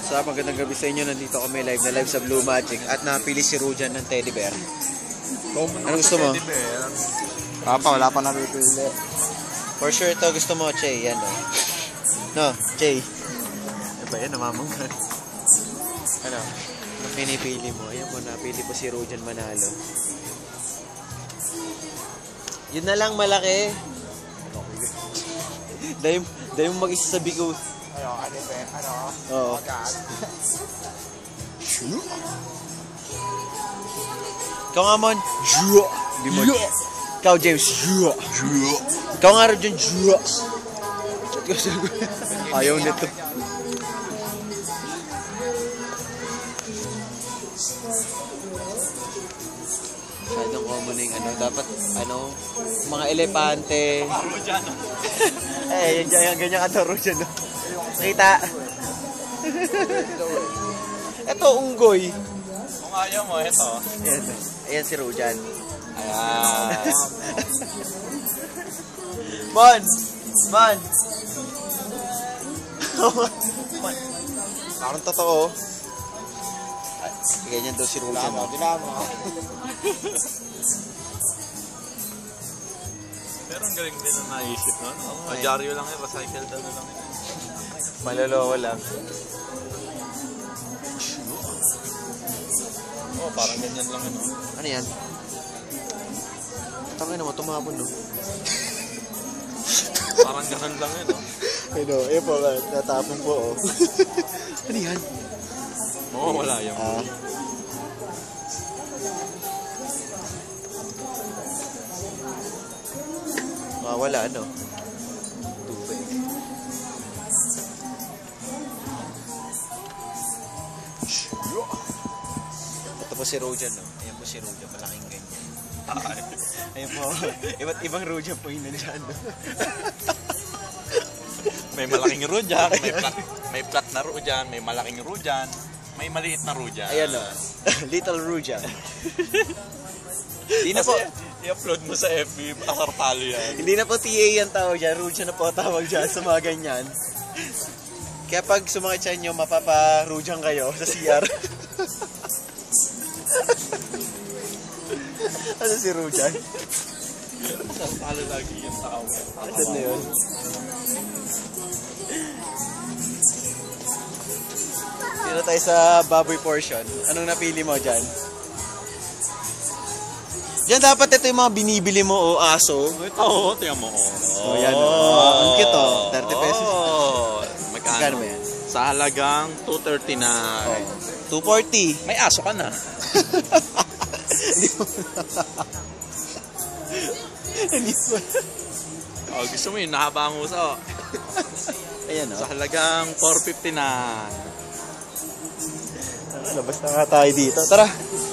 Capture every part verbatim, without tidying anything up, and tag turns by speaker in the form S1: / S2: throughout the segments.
S1: Sa magandang gabi sa inyo, nandito kami live na live sa Blue Magic at napili si Rujan ng teddy bear. Ano gusto mo?
S2: Papa, wala pa napipili.
S1: For sure to gusto mo, Che. Yan o. No, Che. Ano ba yan? Namamanggan. Ano? Ano pinipili mo? Ayan po, napili po si Rujan manalo. Yun na lang, malaki. Dahil, dahil mo mag-isa sa bigo.
S2: Ano, ano ba? Ano?
S1: Oo. Ikaw nga, Mon. Jua. Di mo. Ikaw, James. Jua. Jua. Ikaw nga rin dyan. Jua. Ayaw nito. Masyadong common na yung ano. Dapat, ano, mga elepante. Eh, yan dyan. Ganyan ka taro dyan. Kita. Ito, unggoy.
S2: Kung ayaw mo, ito.
S1: Ayan, ayan si Rujan.
S2: Ayan.
S1: Mon! Mon! Parang totoo. Ay, ganyan daw si Rujan.
S2: Dinamo, dinamo. Pero ang galing din ang naisip, no? Oh, Majaryo lang yun, recycle daw na lang yun.
S1: Malolowa lang.
S2: Oh, parang ganyan lang yun, no?
S1: Ano yan? Tangin naman, tumapon, no?
S2: Parang ganun lang yun, no?
S1: Ano, eh po, natapon po, oh. Ano yan?
S2: Oo, wala yan.
S1: Ah. Ah, wala, ano? Tubig. Ito po si Rujan, no? Ayan po si Rujan, malaking ganyan. Ayan po, iba't ibang Rujan po yung nandyan, no?
S2: May malaking Rujan, may plat, may plat na Rujan, may malaking Rujan, may maliit na Rujan.
S1: Ayan, no? Little Rujan. Hindi na po.
S2: I-upload mo sa F B, asar talo yan.
S1: Hindi na po T A yan tawag dyan. Rujan na po tawag dyan sa mga ganyan. Kaya pag sumakit sa inyo, mapapa-Rujan kayo sa C R. Ano si Rujan?
S2: Asar talo lagi yung tao.
S1: Ano na yun? Dito tayo sa baboy portion. Anong napili mo dyan? Diyan dapat ito yung mga binibili mo o aso.
S2: Ito, oo, tingnan mo.
S1: Oh, yan. Oh, ang cute, oh. thirty pesos.
S2: Oh, magkano?
S1: Magkano ba yan?
S2: Sa halagang two thirty na.
S1: Oh. two forty.
S2: May aso ka na.
S1: Hindi mo. Hindi mo.
S2: Oh, gusto mo yun, nahaba ang uso.
S1: Ayan, oh.
S2: Sa halagang four fifty na.
S1: Labas na nga tayo dito. Tara.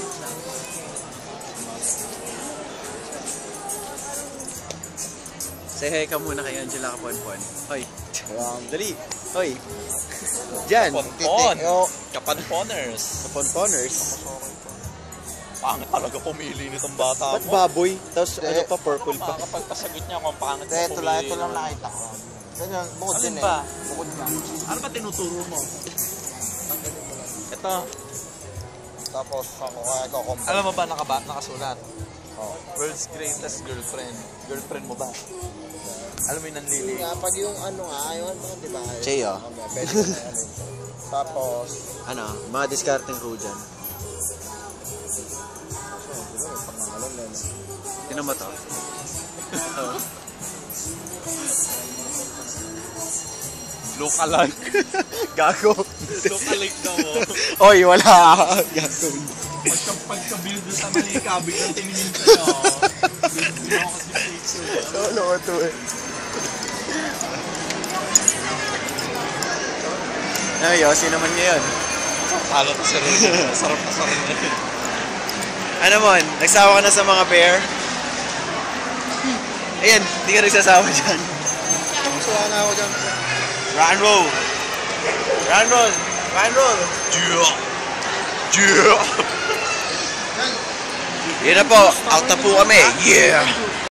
S1: Say hi ka muna kay Angela Kaponpon. Hoy. Um, dali. Hoy. Diyan.
S2: Kaponpon. Kaponponers.
S1: Kaponponers.
S2: Pangit talaga pumili nitong bata
S1: Ba't
S2: mo.
S1: baboy? Tapos ano pa, purple pa.
S2: Kapag pasagot niya kung pangit mo
S3: Ito lang,
S2: pumili.
S3: ito lang nakita ko. Ganyan, bukod
S2: Alin
S3: din
S2: ba?
S3: eh. Bukod na.
S2: Ano ba tinuturo mo? Ito.
S3: Tapos ako kaya ko compare.
S2: Alam mo ba nakaba, nakasulat?
S3: Oh.
S2: World's greatest girlfriend. Girlfriend mo ba? Alam mo yung nanlili?
S3: Nga, pag yung ano nga, yung ano, di ba?
S1: Che, oh.
S3: Mamaya, pwede ko na yan. Tapos,
S1: Ano? Mga discarding Rujan.
S3: siguro, pangalan na yun.
S1: Tinan mo to.
S2: Look alike.
S1: Gago.
S2: Look alike na mo.
S1: Oy, wala. Gago.
S2: Pagka, pagka-build sa Manika, biglang tiningin ko na. Hindi ako kasi picture.
S1: Solo ko to eh. Ay, Yossi naman ngayon.
S2: Talo to si Rudy. Sarap na sarap na yun.
S1: Ano mon? Nagsawa ka na sa mga bear? Ayan, hindi ka nagsasawa dyan.
S3: Suwa na ako dyan.
S1: Rock and roll! Rock and roll! Rock and roll!
S2: Yeah! Yeah!
S1: Yun na po, out na po kami. Yeah!